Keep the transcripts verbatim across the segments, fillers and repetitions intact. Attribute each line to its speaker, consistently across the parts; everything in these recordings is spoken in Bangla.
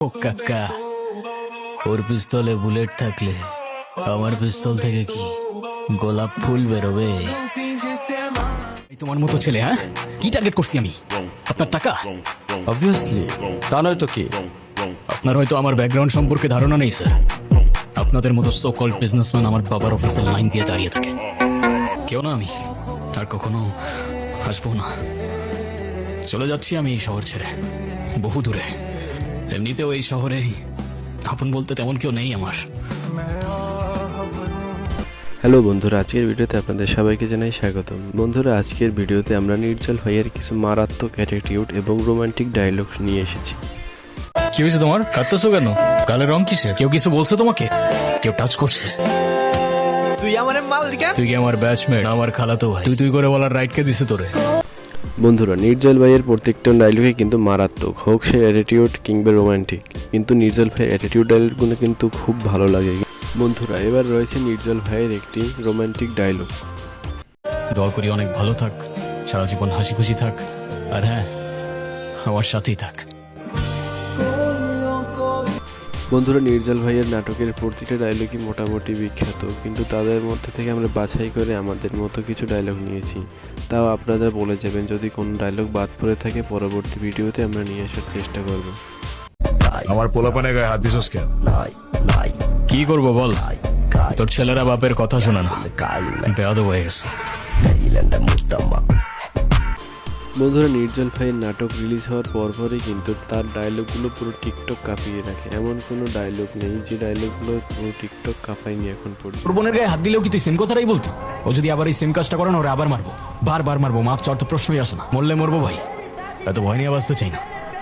Speaker 1: ও কাকা, ওর পিস্তলে বুলেট থাকলে আমার পিস্তল থেকে কি গোলাপ ফুল বেরোবে?
Speaker 2: তোমার মতো ছেলে, হ্যাঁ কি টার্গেট করছি আমি? আপনার টাকা?
Speaker 3: অবভিয়াসলি, তা নয় তো কি?
Speaker 2: আপনার হয়তো আমার ব্যাকগ্রাউন্ড সম্পর্কে ধারণা নেই স্যার। আপনাদের মতো সো কল্ড বিজনেসম্যান আমার বাবার অফিসের লাইন দিয়ে দাঁড়িয়ে থাকে। কেউ না আমি, আর কখনো আসবো না। চলে যাচ্ছি আমি এই শহর ছেড়ে, বহু দূরে। এমনিতেও এই শহরে আপন বলতে তেমন কেউ নেই আমার।
Speaker 3: হ্যালো বন্ধুরা, আজকের ভিডিওতে আপনাদের সবাইকে জানাই স্বাগতম। বন্ধুরা, আজকের ভিডিওতে আমরা নির্জল ভাইয়ের কিছু মারাত্মক অ্যাটিটিউড এবং রোমান্টিক ডায়লগ নিয়ে এসেছি।
Speaker 2: কি হয়েছে তোমার? কাঁদতেছো কেন? গালের রং কিসে? কেউ কিছু বলছে তোমাকে? কেউ টাচ করছে?
Speaker 4: তুই আমার মাল কেন?
Speaker 2: তুই কি আমার ব্যাচমেট? আমার খালাতো ভাই। তুই তুই করে বলার রাইট কে দিছে তোরে?
Speaker 3: বন্ধুরা, নির্জল ভাইয়ের প্রত্যেকটা ডায়লগে কিন্তু মারাত্মক, হোক সে অ্যাটিটিউড কিংবা রোমান্টিক, কিন্তু নির্জল ভাইয়ের অ্যাটিটিউড ডায়লগগুলো কিন্তু খুব ভালো লাগে। বন্ধুরা, এবার রয়েছে নির্জল ভাইয়ের একটি রোমান্টিক ডায়লগ।
Speaker 2: দোয়া করি অনেক ভালো থাক, সারা জীবন হাসি খুশি থাক, আর হ্যাঁ, আমার সাথেই থাক।
Speaker 3: বন্ধুরা, নির্জল ভাইয়ের নাটকের প্রতিটা ডায়লগই মোটামুটি বিখ্যাত, কিন্তু তাদের মধ্যে থেকে আমরা বাছাই করে আমাদের মতো কিছু ডায়লগ নিয়েছি। তাও আপনারা বলে যাবেন যদি কোনো ডায়লগ বাদ পড়ে থাকে, পরবর্তী ভিডিওতে আমরা নিয়ে আসার চেষ্টা করব।
Speaker 5: আমার পোলাপানে গায়ে হাত দিছস কেন?
Speaker 2: কি করবো বল, তোর ছেলেরা বাপের কথা শোনা না, বেয়াদব হয়ে গেছে।
Speaker 3: বন্ধুরা, নির্জল ভাইয়ের নাটক রিলিজ হওয়ার পরপরই কিন্তু তার ডায়লগগুলো পুরো টিকটক কাঁপিয়ে রাখে। এমন কোনো ডায়লগ নেই যে ডায়লগগুলো পুরো টিকটক কাঁপায়নি এখন পর্যন্ত।
Speaker 2: তোর বোনের গায়ে হাত দিলেও কি তুই সেম কথাটাই বলতি? ও যদি আবার এই সেম কাজটা করে না, ওরা আবার মারবো, বারবার মারবো, মাফ চাওয়ার তো প্রশ্নই আসে না। মরলে মরবো ভাই, এত ভয় নিয়ে বাঁচতে চাই না।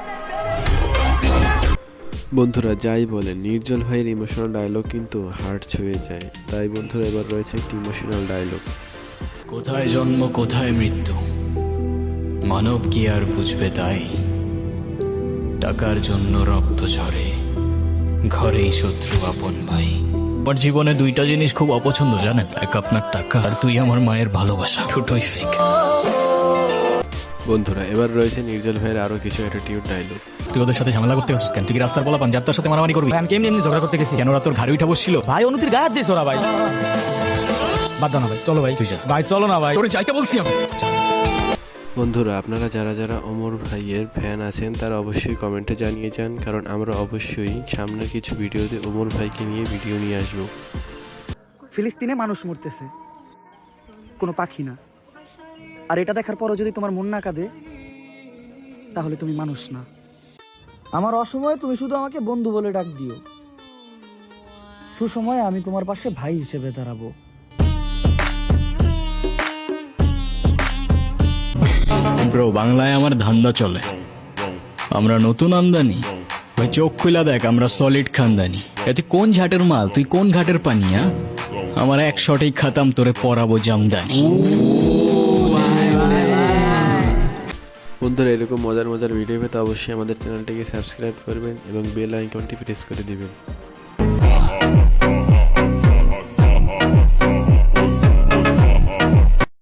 Speaker 3: বন্ধুরা, যাই বলেন, নির্জল ভাইয়ের ইমোশনাল ডায়লগ কিন্তু হার্ট ছুঁয়ে যায়। তাই বন্ধুরা, এবার রয়েছে একটি ইমোশনাল ডায়লগ।
Speaker 2: কোথায় জন্ম কোথায় মৃত্যু, মানব কি আর বুঝবে তাই? টাকার জন্য রক্ত ঝরে, ঘরেই শত্রু আপন ভাই। আমার জীবনে দুইটা জিনিস খুব অপছন্দ জানেন, এক আপনার টাকা, আর তুই আমার মায়ের ভালোবাসা, দুটোই ফেক।
Speaker 3: বন্ধুরা, এবার রয়েছে নির্জল ভাইয়ের আরো কিছু অ্যাটিটিউড ডায়লগ।
Speaker 2: তুই ওদের সাথে ঝামেলা করতে গেছিস কেন? তুই কি রাস্তার বলা পান যার তার সাথে মারামারি করবি?
Speaker 4: আমি কেমনি এমনি ঝগড়া করতে গেছি?
Speaker 2: কেন ওরা তোর ঘাড়ে উঠা বসছিল?
Speaker 4: ভাই অনুতির গায়ে হাত দিয়েছ ওরা ভাই। বাদ দাও না ভাই, চলো ভাই।
Speaker 2: তুই যা
Speaker 4: ভাই চলো না ভাই।
Speaker 2: তোরে যাইতে বলছি আমি।
Speaker 3: বন্ধুরা, আপনারা যারা যারা ওমর ভাইয়ের ফ্যান আছেন তারা অবশ্যই কমেন্টে জানিয়ে যান, কারণ আমরা অবশ্যই সামনের কিছু ভিডিওতে ওমর ভাইকে নিয়ে ভিডিও নিয়ে আসবো।
Speaker 6: ফিলিস্তিনে মানুষ মরতেছে, কোনো পাখি না। আর এটা দেখার পরও যদি তোমার মন না কাঁদে, তাহলে তুমি মানুষ না। আমার অসময়ে তুমি শুধু আমাকে বন্ধু বলে ডাক দিও, সুসময়ে আমি তোমার পাশে ভাই হিসেবে দাঁড়াবো।
Speaker 2: ব্রো, বাংলায় আমার ধান্দা চলে, আমরা নতুন আমদানি। ভাই চোখ খুলা দেখ, আমরা সলিড খানদানি। এতে কোন ঝাটের মাল, তুই কোন ঘাটের পানিয়া? আমার এক শটেই খাতাম, তোরে পরাবো জামদানি।
Speaker 3: বন্ধুরা, এরকম মজার মজার ভিডিও পেতে অবশ্যই আমাদের চ্যানেলটিকে সাবস্ক্রাইব করবেন এবং বেল আইকনটি প্রেস করে দিবেন।